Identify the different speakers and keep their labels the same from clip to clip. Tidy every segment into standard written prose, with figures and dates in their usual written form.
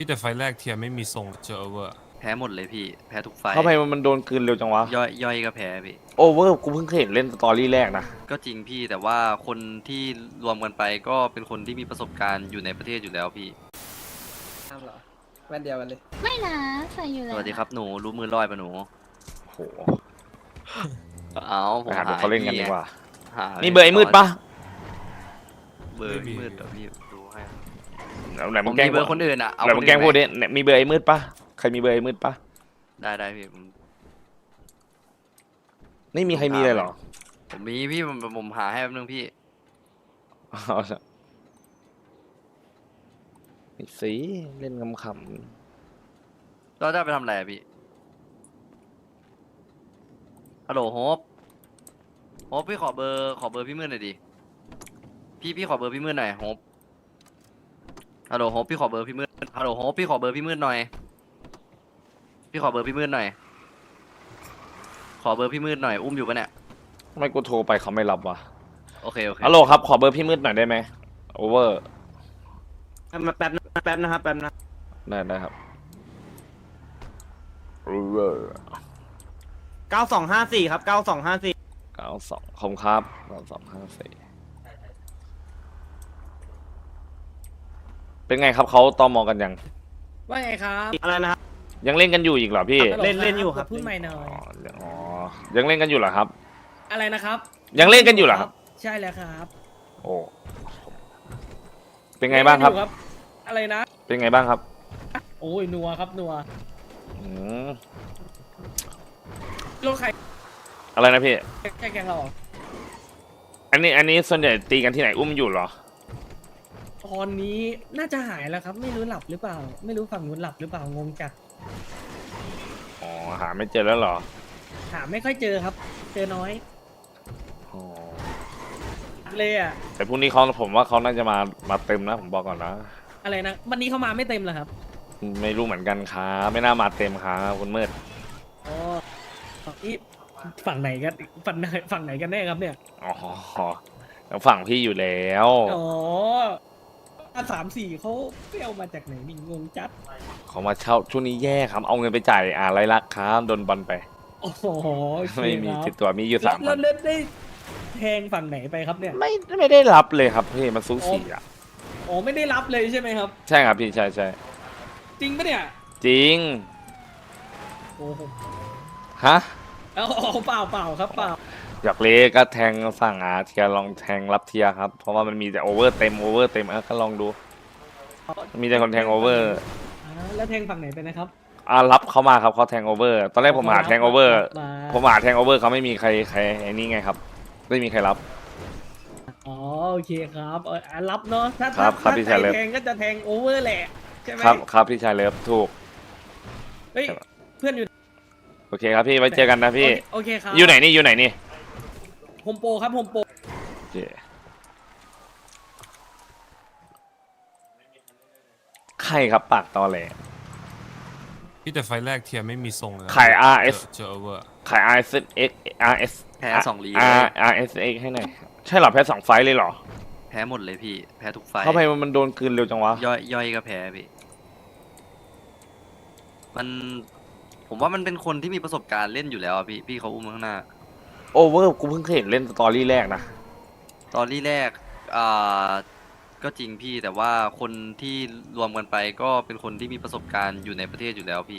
Speaker 1: พี่แต่ไฟแรกเทียร์ไม่มีทรงเจอเวอร์
Speaker 2: แพ้หมดเลยพี่แพ้ทุกไฟ
Speaker 3: ทำไมมันโดนกลืนเร็วจังวะ
Speaker 2: ย่อยก็แพ้พี่
Speaker 3: โอเวอร์กูเพิ่งเคยเห็นเล่นสตอรี่แรกนะ
Speaker 2: ก็จริงพี่แต่ว่าคนที่รวมกันไปก็เป็นคนที่มีประสบการณ์อยู่ในประเทศอยู่แล้วพี่
Speaker 4: อ้าวเหรอแว่นเดียวกันเลย
Speaker 5: ไม่นะใส่อยู่เล
Speaker 2: ส
Speaker 5: ย
Speaker 2: วัสดีครับหนูรู้มือลอยปะหนู
Speaker 3: โห
Speaker 2: เอาผ
Speaker 3: ไป
Speaker 2: ม
Speaker 3: หาดูเขาเล่นกันดีกว่า
Speaker 2: หา
Speaker 3: มีเบอร์ไอ้มืดปะ
Speaker 2: เบอร์ไอ้มืดเดี๋ยวพี่ดูให้
Speaker 3: ไหน
Speaker 2: ผ
Speaker 3: มึ
Speaker 2: ม
Speaker 3: งแกล้
Speaker 2: มี
Speaker 3: ง
Speaker 2: เบอร์คนอื่นอ่ะเอา
Speaker 3: ไหนมึงแกล้งพูดดิเนี่ยมีเบอร์ไอ้มืดปะใครมีเบอร์ไอ้มืดปะ
Speaker 2: ได้พี่ผม
Speaker 3: ไม่มีใครมีเลยเหรอ
Speaker 2: ผมมีพี่ผมหาให้แป๊บนึงพี่
Speaker 3: เอาละไอ้สิเล่นขำ
Speaker 2: เราจะไปทำอะไรอะพี่ฮัลโหลโฮปพี่ขอเบอร์พี่มืดหน่อยดิพี่ขอเบอร์พี่มืดหน่อยโฮปฮัลโหลโฮปพี่ขอเบอร์พี่มืดฮัลโหลโฮปพี่ขอเบอร์พี่มืดหน่อยพี่ขอเบอร์พี่มืดหน่อยขอเบอร์พี่มืดหน่อยอุ้มอยู่ปะเนี่ย
Speaker 3: ๆทำไมกูโทรไปเขาไม่รับวะ
Speaker 2: โอเค
Speaker 3: ฮัลโหลครับขอเบอร์พี่มืดหน่อยได้ไหมโอเวอร์
Speaker 4: แป๊บนะครับแป๊บนะ
Speaker 3: ได้ครับโอเวอร์
Speaker 4: 9254ครับ9254
Speaker 3: 92คมครับ9254เป็นไงครับเขาตอมอกันยัง
Speaker 6: ว่าไงครับ
Speaker 4: อะไรนะครับ
Speaker 3: ยังเล่นกันอยู่อีกเหรอพี่
Speaker 4: เล่นอยู่ครับ
Speaker 6: พูดใหม่หน่อ
Speaker 3: อ๋อย อ๋อยังเล่นกันอยู่เหรอครับ
Speaker 6: อะไรนะครับ
Speaker 3: ยังเล่นกันอยู่เหรอครับ
Speaker 6: ใช่แล้วครับ
Speaker 3: โอ้เป็นไงบ้างครับ
Speaker 6: เล่นกันอยู่อะไรนะ
Speaker 3: เป็นไงบ้างครับ
Speaker 6: โอ้ยนัวครับนัว
Speaker 3: อืม
Speaker 6: โลกใคร
Speaker 3: อะไรนะพี่
Speaker 6: แค่แกงเราเหรอ
Speaker 3: อันนี้ส่วนใหญ่ตีกันที่ไหนอุ้มอยู่เหรอ
Speaker 6: ตอนนี้น่าจะหายแล้วครับ ไม่รู้หลับหรือเปล่า ไม่รู้ฝั่งนู้นหลับหรือเปล่างงจัด
Speaker 3: อ๋อหาไม่เจอแล้วเหรอ
Speaker 6: หาไม่ค่อยเจอครับ เจอน้อย
Speaker 3: อ๋อ
Speaker 6: เลยอ่ะ
Speaker 3: แต่พรุ่งนี้เขาผมว่าเขาน่าจะมาเต็มนะผมบอกก่อนนะ
Speaker 6: อะไรนะวันนี้เขามาไม่เต็มเหรอครับ
Speaker 3: ไม่รู้เหมือนกันครับไม่น่ามาเต็มครับคุณมืด
Speaker 6: อ๋อนี่ฝั่งไหนกันฝั่งไหนกันแน่ครับเนี่ย
Speaker 3: อ๋อแล้วฝั่งพี่อยู่แล้ว
Speaker 6: อ๋อ3-4เขาเปรี้ยวมาจากไหนนี่งงจัด
Speaker 3: เขามาเช่าช่วงนี้แย่ครับเอาเงินไปจ่ายอะไรายลักครับโดนบอลไป
Speaker 6: โอ้โหโอเค
Speaker 3: ไม่มี
Speaker 6: ครับ
Speaker 3: ติดตัวมีอยู่
Speaker 6: แล้ว
Speaker 3: 3,000
Speaker 6: แล้วได้แทงฝั่งไหนไปครับเนี่ย
Speaker 3: ไม่ได้รับเลยครับพี่มันสูสีอ่ะ
Speaker 6: อ๋อไม่ได้รับเลยใช่ไหมครับ
Speaker 3: ใช่ครับพี่ใช่
Speaker 6: จริงปะเนี่ย
Speaker 3: จริง
Speaker 6: โอ้โห
Speaker 3: ฮะ
Speaker 6: เอาเปล่าครับเปล่า
Speaker 3: อยากเล่ก็แทงสั่งเทียร์ลองแทงรับเทียร์ครับเพราะว่ามันมีแต่โอเวอร์เต็มก็ลองดู มีแต่คนแทงโอเวอร์
Speaker 6: แล้วแทงฝั่งไหนไปนะครับ
Speaker 3: รับเขามาครับเขาแทงโอเวอร์ตอนแรกผมหาแทงโอเวอร์
Speaker 6: มา
Speaker 3: ผมหาแทงโอเวอร์เขาไม่มีใครไอ้นี่ไงครับไม่มีใครรับ
Speaker 6: อ๋อโอเคครับรับเนาะถ้า
Speaker 3: ครับครับพี่ชายเลิฟ
Speaker 6: แทงก็จะแทงโอเวอร์แหละใช่ไหม
Speaker 3: ครับพี่ชายเลิฟถูก
Speaker 6: เฮ้ยเพื่อนอยู่
Speaker 3: โอเคครับพี่ไว้เจอกันนะพี่
Speaker 6: โอเคครับ
Speaker 3: อยู่ไหนนี่
Speaker 6: โฮมโปรครับโฮมโปร
Speaker 3: โอเคใครครับปากตอแหล
Speaker 1: พี่แต่ไฟแรกเทียร์ไม่มีทรงเลย
Speaker 3: ขาย RS
Speaker 1: เจอเวอร์
Speaker 3: ขาย RS
Speaker 2: แพ้2 ลีก
Speaker 3: RSX ให้หน่อยใช่เหรอแพ้2 ไฟต์เลยเหรอ
Speaker 2: แพ้หมดเลยพี่แพ้ทุกไฟ
Speaker 3: ทำไมมันโดนกลืนเร็วจังวะ
Speaker 2: ย่อยก็แพ้พี่มันผมว่ามันเป็นคนที่มีประสบการณ์เล่นอยู่แล้วอะพี่เขาอุ้มข้างหน้า
Speaker 3: โอเวอร์กูเพิ่งเคยเห็นเล่นสตอรี่แรกนะ
Speaker 2: ตอนแรกอ่าก็จริงพี่แต่ว่าคนที่รวมกันไปก็เป็นคนที่มีประสบการณ์อยู่ในประเทศอยู่แล้วพี่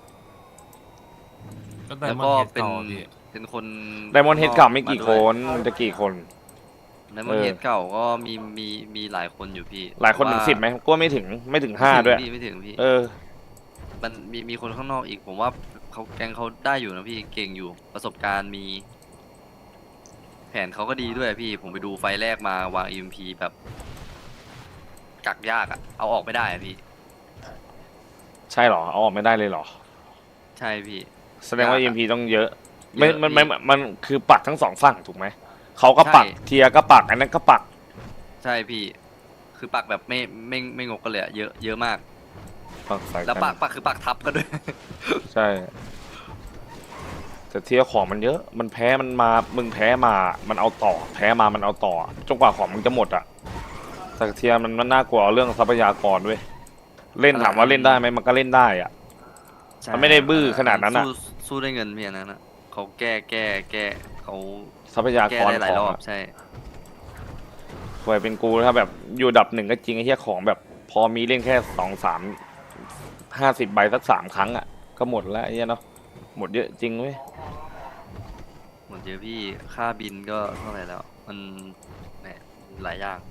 Speaker 1: ก็ได้
Speaker 2: แล้ว
Speaker 1: มา
Speaker 2: ก็
Speaker 1: เฮด
Speaker 2: เป็น
Speaker 1: เก่าพี่
Speaker 2: เป็นคน
Speaker 3: ไดมอนด์เฮดเก่าไม่กี่คนจะกี่คน
Speaker 2: ไดมอนด์เฮดเก่าก็มีหลายคนอยู่พี่
Speaker 3: หลายคนถึง
Speaker 2: ว่า
Speaker 3: 10ไหมกูว่าไม่ถึง5ด้วย
Speaker 2: ไม่ถึงพี่
Speaker 3: เออ
Speaker 2: มันมีคนข้างนอกอีกผมว่าเขาแกงเขาได้อยู่นะพี่เก่งอยู่ประสบการณ์มี แผนเขาก็ดีด้วยพี่ผมไปดูไฟแรกมาวาง EMP แบบกักยากอะเอาออกไม่ได้อะพี่
Speaker 3: ใช่เหรอเอาออกไม่ได้เลยเหรอ
Speaker 2: ใช่พี่
Speaker 3: แสดงว่า
Speaker 2: ยากอะ
Speaker 3: EMP ต้องเยอะ
Speaker 2: เยอะ
Speaker 3: มันคือปักทั้งสองฝั่งถูกไหมเขาก็ปัก
Speaker 2: ใช่
Speaker 3: เทียร์ก็ปักอันนั้นก็ปัก
Speaker 2: ใช่พี่ คือปักแบบไม่งกกันเลยอะเยอะมาก
Speaker 3: ปักใส่
Speaker 2: แล้ว
Speaker 3: กั
Speaker 2: ปักคือปักทับกันด้วย
Speaker 3: ใช่ แต่เทียร์ของมันเยอะ มันแพ้มันมามึงแพ้มามันเอาต่อ แพ้มามันเอาต่อจนกว่าของมึงจะหมดอะแต่เทียร์มันน่ากลัวเรื่องทรัพยากรด้วยเล่นถามว่าเล่นได้ไหมมันก็เล่นได้อ่ะ
Speaker 2: ใช่
Speaker 3: มันไม่ได้บื้อขนาดนั้นอะ
Speaker 2: สู้ได้เงินเพียงนั้นอะเขาแก้เขา
Speaker 3: ทรัพยาก
Speaker 2: แก้
Speaker 3: ร
Speaker 2: ได้หลา
Speaker 3: ข
Speaker 2: ย
Speaker 3: อ
Speaker 2: รง อบ
Speaker 3: อะ
Speaker 2: ใช่
Speaker 3: ควยเป็นกูถ้าแบบอยู่อันดับหนึ่งก็จริงไอ้เหี้ยของแบบ พอมีเล่นแค่2-3 50 ใบสัก3 ครั้งอ่ะก็หมดแล้วไอ้เหี้ยเนาะหมดเยอะจริงเว้ย
Speaker 2: หมดเยอะพี่ค่าบินก็เท่าไหร่แล้ว มันแหมหลายอย่าง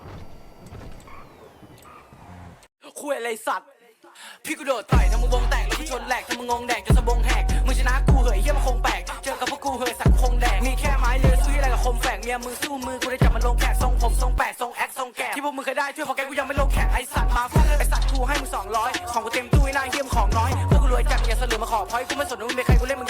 Speaker 5: คุยอะไรสัตว์ พี่กูโดดต่อยทำมึงวงแตกแล้วกูชนแหลกทำมึงงงแดกจนสะบงแหกมึงชนะกูเหยเฮียมันคงแปลกเจอกับพวกกูเหยสักคงแดกมีแค่ไม้เลือซื้ออะไรกับคมแฝกเมียมึงสู้มือกูได้จับมันลงแขกทรงผมทรงแปดทรงแอคทรงแกะที่พวกมึงเคยได้ช่วยพอแกกูยังไม่ลงแขกไอสัตว์มาฟังไอสัตว์กูให้มึง200ของกูเต็มตู้ไอ้นายเฮียมของน้อยพวกกูรวยจัดอย่าเสลือมาขอพอยกูไม่สนว่ามึงเป็นใครกูเล่นมึง